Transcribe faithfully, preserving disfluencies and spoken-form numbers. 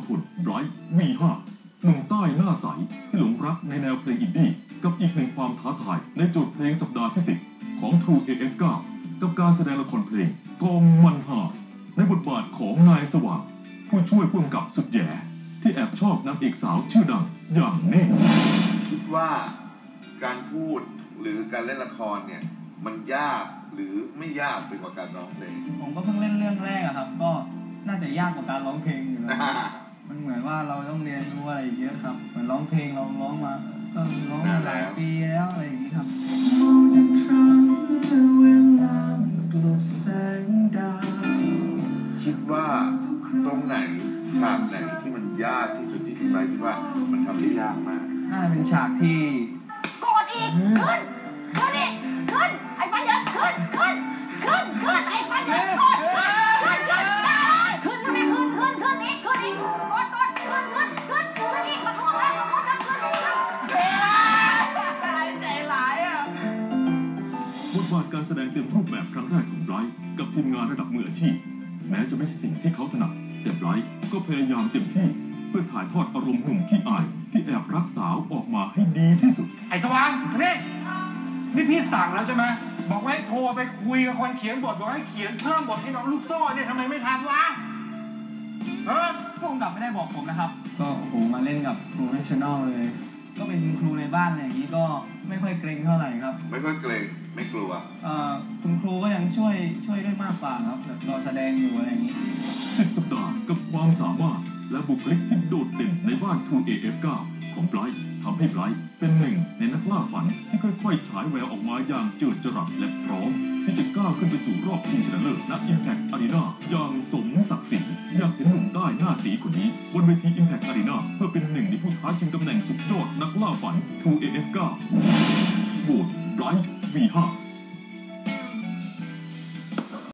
พลไบรท์ วี ห้า หนุ่มใต้หน้าใสที่หลงรักในแนวเพลงอินดี้กับอีกหนึ่งความท้าทายในโจทย์เพลงสัปดาห์ที่สิบของ ทรู เอ เอฟ เก้า กับการแสดงละครเพลงกองมันหาในบทบาทของนายสว่างผู้ช่วยผู้กำกับสุดแย่ที่แอบชอบนางเอกสาวชื่อดังอย่างเน่คิดว่าการพูดหรือการเล่นละครเนี่ยมันยากหรือไม่ยากไปกว่าการร้องเพลงผมก็เพิ่งเล่นเรื่องแรกอะครับก็น่าจะยากกว่าการร้องเพลงอยู่นะมันเหมือนว่าเราต้องเรียนรู้อะไรเยอะครับเหมือนร้องเพลงเราร้องมาก็ร้องมาหลายปีแล้วอะไรอย่างนี้ครับมองจากครั้งเวลากลบแสงดาวคิดว่าตรงไหนฉากไหนที่มันยากที่สุดที่พี่ไบร์ทคิดว่ามันทำได้ยากมากน่าจะเป็นฉากที่กดอีกขึ้นขึ้นอีกขึ้นไอ้ปัญญาขึ้นขึ้นขึ้นขึ้นไอ้ปัญญาขึ้นขึ้นขึ้นขึ้นขึ้นขึ้นขึ้นขึ้นอีกขึ้นอีกกดกดขึ้นขึ้นขึ้นขึ้นอีกมาทวงแล้วมาทวงแล้วขึ้นอีกใจร้ายอ่ะบทบาทการแสดงเต็มรูปแบบครั้งแรกของไบรท์กับทีมงานระดับมืออาชีพแม้จะไม่ใช่สิ่งที่เขาถนัดแต่ไบรท์ก็พยายามเต็มที่เพื่อถ่ายทอดอารมณ์หนุ่มที่อายที่แอบรักสาวออกมาให้ดีที่สุดไอ้สว่างนี่นี่พี่สั่งแล้วใช่ไหมบอกว่าให้โทรไปคุยกับคนเขียนบทบอกให้เขียนเพิ่มบทให้น้องลูกโซ่เนี่ยทำไมไม่ทำวะเออผู้กำกับไม่ได้บอกผมนะครับก็โหมาเล่นกับโปรเฟชชั่นอลเลยก็เป็นครูในบ้านอะไรอย่างนี้ก็ไม่ค่อยเกรงเท่าไหร่ครับไม่ค่อยเกรงไม่กลัวเอ่อคุณครูก็ยังช่วยช่วยได้มากกว่าครับแบบเราแสดงอยู่อะไรอย่างนี้สิบสัปดาห์กับความสามารถและบุคลิกที่โดดเด่นในบ้าน ทรู เอ เอฟ เก้า ของไบรท์ทำให้ไบรท์เป็นหนึ่งในนักล่าฝันที่ค่อยๆฉายแววออกมาอย่างเจิดจรัสและพร้อมที่จะก้าวขึ้นไปสู่รอบชิงชนะเลิศณ Impact Arena อย่างสมศักดิ์ศรีอยากเห็นหนุ่มใต้หน้าตีคนนี้บนเวที Impact Arena เพื่อเป็นหนึ่งในผู้ท้าชิงตำแหน่งสุดยอดนักล่าฝัน ทรู เอ เอฟ เก้า โหวตไบรท์ วี ห้า